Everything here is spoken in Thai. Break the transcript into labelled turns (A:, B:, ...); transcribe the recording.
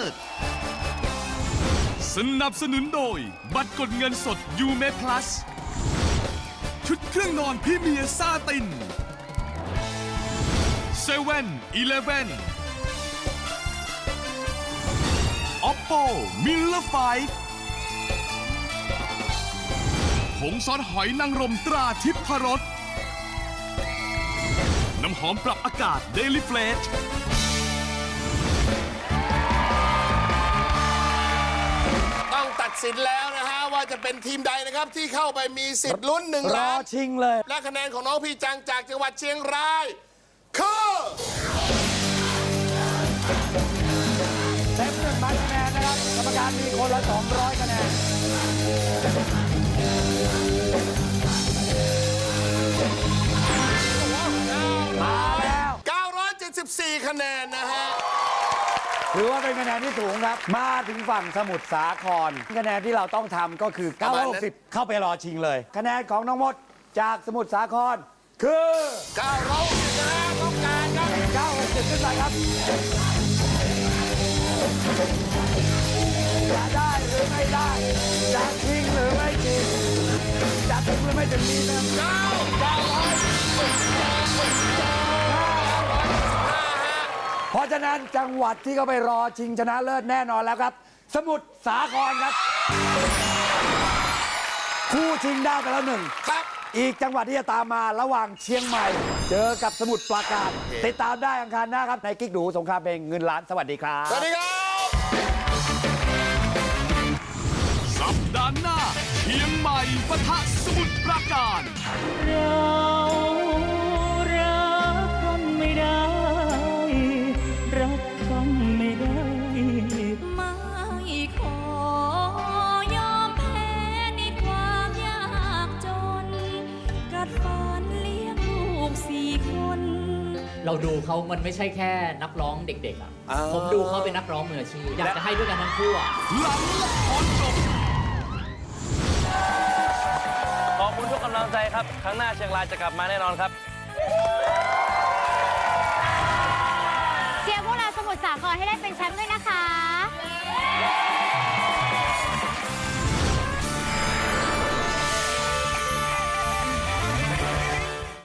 A: ศสนับสนุนโดยบัตรกดเงินสดยูเมพลัสชุดเครื่องนอนพรีเมียร์ซาติน7-Eleven Oppo Miller 5ผงซอสหอยนางรมตราทิพรสน้ำหอมปรับอากาศ Daily Fresh
B: ต้องตัดสินแล้วนะฮะว่าจะเป็นทีมใดนะครับที่เข้าไปมีสิทธิ์ลุ้น1 ล้าน
C: ชิงเลย
B: และคะแนนของน้องพี่จังจากจังหวัดเชียงรายคือ
C: เต็ม1,000 คะแนนนะครับกรรมการมีคนละ200 คะแนนมาแล้ว
B: 974 คะแนนนะฮะ
C: ถือว่าเป็นคะแนนที่สูงครับ มาถึงฝั่งสมุทรสาครคะแนนที่เราต้องทำก็คือ960เข้าไปรอชิงเลย คะแนนของน้องมดจากสมุทรสาครคือ
B: 960นะฮะต้องการครับ
C: 960ขึ้นไปครับจะได้หรือไม่ได้จะชิงหรือไม่ชิงจะถึงหรือไม่ถึงนี้นะเพราะฉะนั้นจังหวัดที่เขาไปรอชิงชนะเลิศแน่นอนแล้วครับ สมุทรสาครครับ คู่ชิงได้ไปแล้ว1
B: ครับ
C: อีกจังหวัดที่จะตามมาระหว่างเชียงใหม่ เจอกับสมุทรปราการ ติดตามได้อังคารหน้าครับในกิ๊กดูสงครามเพลงเงินล้านสวัสดีครับ
B: สวัสดีครับ
A: สัปดาห์หน้าเชียงใหม่ปะทะสมุทรปราการ
D: เรารักกันไม่ได้ รักกันไม่ได้
E: ไม่ขอยอมแพ้ในความยากจน กัดฟันเลี้ยงลูก4 คน
F: เราดูเขามันไม่ใช่แค่นักร้องเด็กๆอ่ะ ผมดูเขาเป็นนักร้องมืออาชีพอยากจะให้ด้วยกันทั้งคู่อ่ะ
A: หลังละครจบ
G: ขอบคุณทุกกำลังใจครับ ครั้งหน้าเชียงรายจะกลับมาแน่นอนครับ